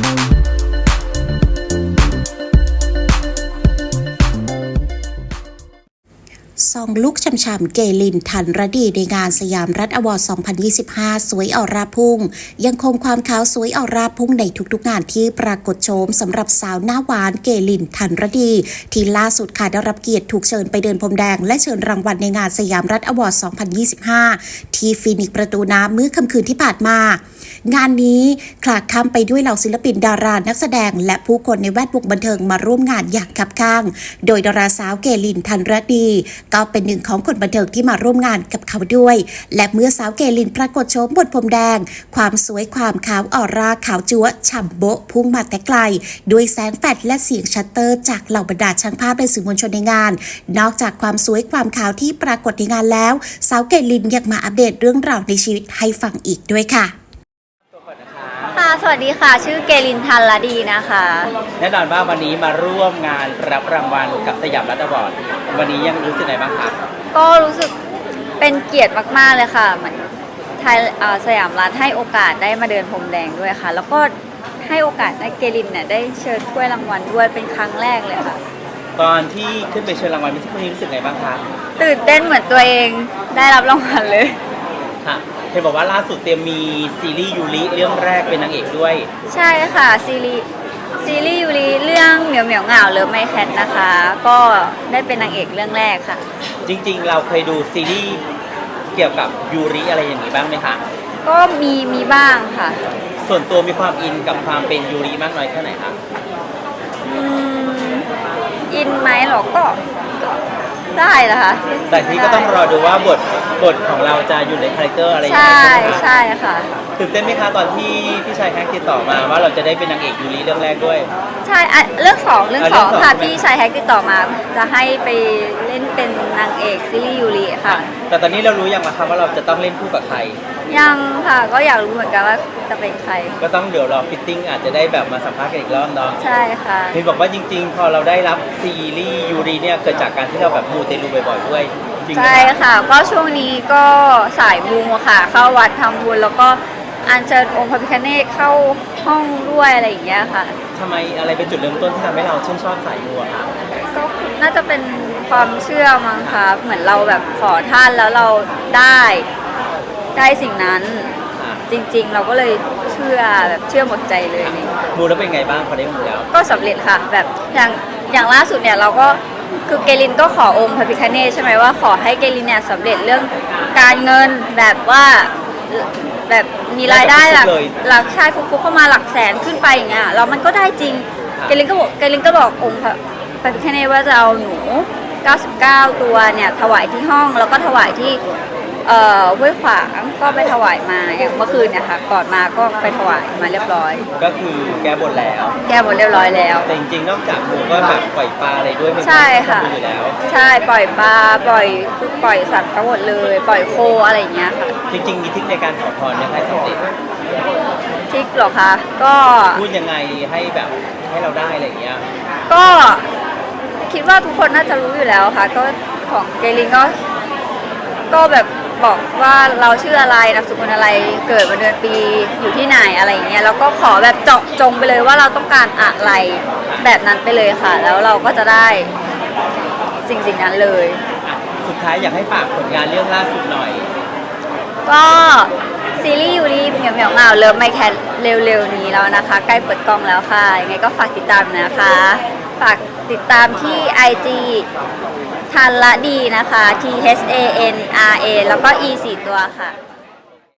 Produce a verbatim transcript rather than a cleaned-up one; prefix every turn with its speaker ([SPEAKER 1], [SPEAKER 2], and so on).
[SPEAKER 1] ซองลุกช่ำๆเกลินทันรดีในงานสยามรัฐอวอร์ด สองพันยี่สิบห้า สวยออร่าพุ่งยังคงความขาวสวยออร่าพุ่งในทุกๆงานที่ปรากฏโฉมสำหรับสาวหน้าหวานเกลินทันรดีที่ล่าสุดค่ะได้รับเกียรติถูกเชิญไปเดินพรมแดงและเชิญรางวัลในงานสยามรัฐอวอร์ด สองพันยี่สิบห้า ที่ฟีนิกซ์ประตูน้ำเมื่อค่ำคืนที่ผ่านมางานนี้คลาคล่ำไปด้วยเหล่าศิลปินดารานักแสดงและผู้คนในแวดวงบันเทิงมาร่วมงานอย่างคับข้างโดยดาราสาวเกลินทันรดีก็เป็นหนึ่งของคนบันเทิงที่มาร่วมงานกับเขาด้วยและเมื่อสาวเกลินปรากฏโฉมบนพรมแดงความสวยความขาวออร่าขาวจั๊วฉ่ำโบ๊ะพุ่งมาแต่ไกลด้วยแสงแฟลชและเสียงชัตเตอร์จากเหล่าบรรดาช่างภาพและสื่อมวลชนในงานนอกจากความสวยความขาวที่ปรากฏในงานแล้วสาวเกลินยังมาอัปเดตเรื่องราวในชีวิตให้ฟังอีกด้วยค่ะ
[SPEAKER 2] ค่ะสวัสดีค่ะชื่อเกลินทันรดีนะคะ
[SPEAKER 3] แน่นอนว่าวันนี้มาร่วมงานรับรางวัลกับสยามรัฐอวอร์ดวันนี้ยังรู้สึกไงบ้างคะ
[SPEAKER 2] ก็รู้สึกเป็นเกียรติมากๆเลยค่ะเหมือนไทยสยามรัฐให้โอกาสได้มาเดินพรมแดงด้วยค่ะแล้วก็ให้โอกาสได้เกลินเนี่ยได้เชิญถ้วยรางวัลด้วยเป็นครั้งแรกเลยค่ะ
[SPEAKER 3] ตอนที่ขึ้นไปเชิญรางวัลมิสซิ่งรู้สึกไงบ้างคะ
[SPEAKER 2] ตื่นเต้นเหมือนตัวเองได้รับรางวัลเลย
[SPEAKER 3] ค่ะเห็นบอกว่าล่าสุดเตรียมมีซีรีส์ยูริเรื่องแรกเป็นนางเอกด้วย
[SPEAKER 2] ใช่ค่ะซีรีส์ซีรีส์ยูริเรื่องเหมียวเหมียวเหงาเลิฟไมแคทนะคะก็ได้เป็นนางเอกเรื่องแรกค่ะ
[SPEAKER 3] จริงๆเราเคยดูซีรีส์เกี่ยวกับยูริอะไรอย่างนี้บ้างไหมคะ
[SPEAKER 2] ก็มีมีบ้างค่ะ
[SPEAKER 3] ส่วนตัวมีความอินกับความเป็นยูริมากน้อยแค่ไหนคะ
[SPEAKER 2] อืมอินไหมหรอก็ได้นะคะ
[SPEAKER 3] แต่ที่ก็ต้องรอดูว่าบทบทของเราจะอยู่ในคาแรคเตอร์อะไรอย่าง
[SPEAKER 2] เงี้ยใช่ใช่ค่ะ
[SPEAKER 3] ตื่นเต้นไหมคะตอนที่พี่ชายแฮกติดต่อมาว่าเราจะได้เป็นนางเอกยูริเรื่องแรกด้วย
[SPEAKER 2] ใช่เรื่องสองเรื่องสองค่ะพี่ชายแฮกติดต่อมาจะให้ไปเล่นเป็นนางเอกซีรีส์ยูริค่ะ
[SPEAKER 3] แต่ตอนนี้เรารู้ยังคะว่าเราจะต้องเล่นคู่กับใคร
[SPEAKER 2] ยังค่ะก็อยากรู้เหมือนกันว่าจะเป็นใคร
[SPEAKER 3] ก็ต้องเดี๋ยวรอฟิตติ้งอาจจะได้แบบมาสัมภาษณ์กันอีกรอบเนาะ
[SPEAKER 2] ใช่ค่ะ
[SPEAKER 3] เห็นบอกว่าจริงๆพอเราได้รับซีรีส์ยูริเนี่ยเกิดจากการที่เราแบบมูเตลูบ่อยๆด้วย
[SPEAKER 2] ใช่ค่ะก็ช่วงนี้ก็สายมูค่ะเข้าวัดทำบุญแล้วก็อัญเชิญองค์พระพิฆเนศเข้าห้องด้วยอะไรอย่างเงี้ยค่ะ
[SPEAKER 3] ทำไมอะไรเป็นจุดเริ่มต้นที่ทำให้เราชื่นชอบสายมูอะคะ
[SPEAKER 2] ก็น่าจะเป็นความเชื่อมั้งคะเหมือนเราแบบขอท่านแล้วเราได้ได้สิ่งนั้นจริงๆเราก็เลยเชื่อแบบเชื่อหมดใจเลยนี่
[SPEAKER 3] มูแล้วเป็นไงบ้างพอได้มูแล้ว
[SPEAKER 2] ก็สำเร็จค่ะแบบอย่างอย่างล่าสุดเนี่ยเราก็คือเกลินก็ขอองค์พระพิฆเนศใช่ไหมว่าขอให้เกลินเนี่ยสำเร็จเรื่องการเงินแบบว่าแบบมีรายได้หลักหลักชายฟุกๆเข้ามาหลักแสนขึ้นไปอย่างเงี้ยเรามันก็ได้จริงเกลินก็บอกเกลินก็บอกองค์พระพิฆเนศว่าจะเอาหนูเก้าสิบเก้าตัวเนี่ยถวายที่ห้องแล้วก็ถวายที่เอ่อห้วยขวางก็ไปถวายมาอย่างเมื่อคืนเนี่ยค่ะก่อนมาก็ไปถวายมาเรียบร้อย
[SPEAKER 3] ก็คือแก้บนแล้ว
[SPEAKER 2] แก้บนเรียบร้อยแล้ว
[SPEAKER 3] แต่จริงๆนอกจากมูก็แบบปล่อยปลาอะไรด้วย
[SPEAKER 2] ใช่ค่ะอยู่แล้วใช่ปล่อยปลาปล่อยปล่อยสัตว์ทั้งหมดเลยปล่อยโคอะไรอย่างเงี้ยค่ะ
[SPEAKER 3] จริงๆมีทริคในการขอพรเนี่ยให้สำเร็จ
[SPEAKER 2] ทริคหรอคะก็
[SPEAKER 3] พูดยังไงให้แบบให้เราได้อะไรอย่างเงี้ย
[SPEAKER 2] ก็คิดว่าทุกคนน่าจะรู้อยู่แล้วค่ะก็ของเกลินก็ก็แบบบอกว่าเราชื่ออะไรนามสกุลอะไรเกิดวันเดือนปีอยู่ที่ไหนอะไรอย่างเงี้ยแล้วก็ขอแบบเจาะจงไปเลยว่าเราต้องการอะไรแบบนั้นไปเลยค่ะแล้วเราก็จะได้สิ่งสิ่งนั้นเลย
[SPEAKER 3] สุดท้ายอยากให้ฝากผลงานเรื่องล่าสุดหน่อย
[SPEAKER 2] ก็ซีรีส์ยูริเหมียวเหมียวเหงาเลิฟไมแคทเร็วๆนี้แล้วนะคะใกล้เปิดกล้องแล้วค่ะยังไงก็ฝากติดตามนะคะฝากติดตามที่ ไอ จี ทันรดีนะคะ T H A N R A แล้วก็ E สี่ตัวค่ะ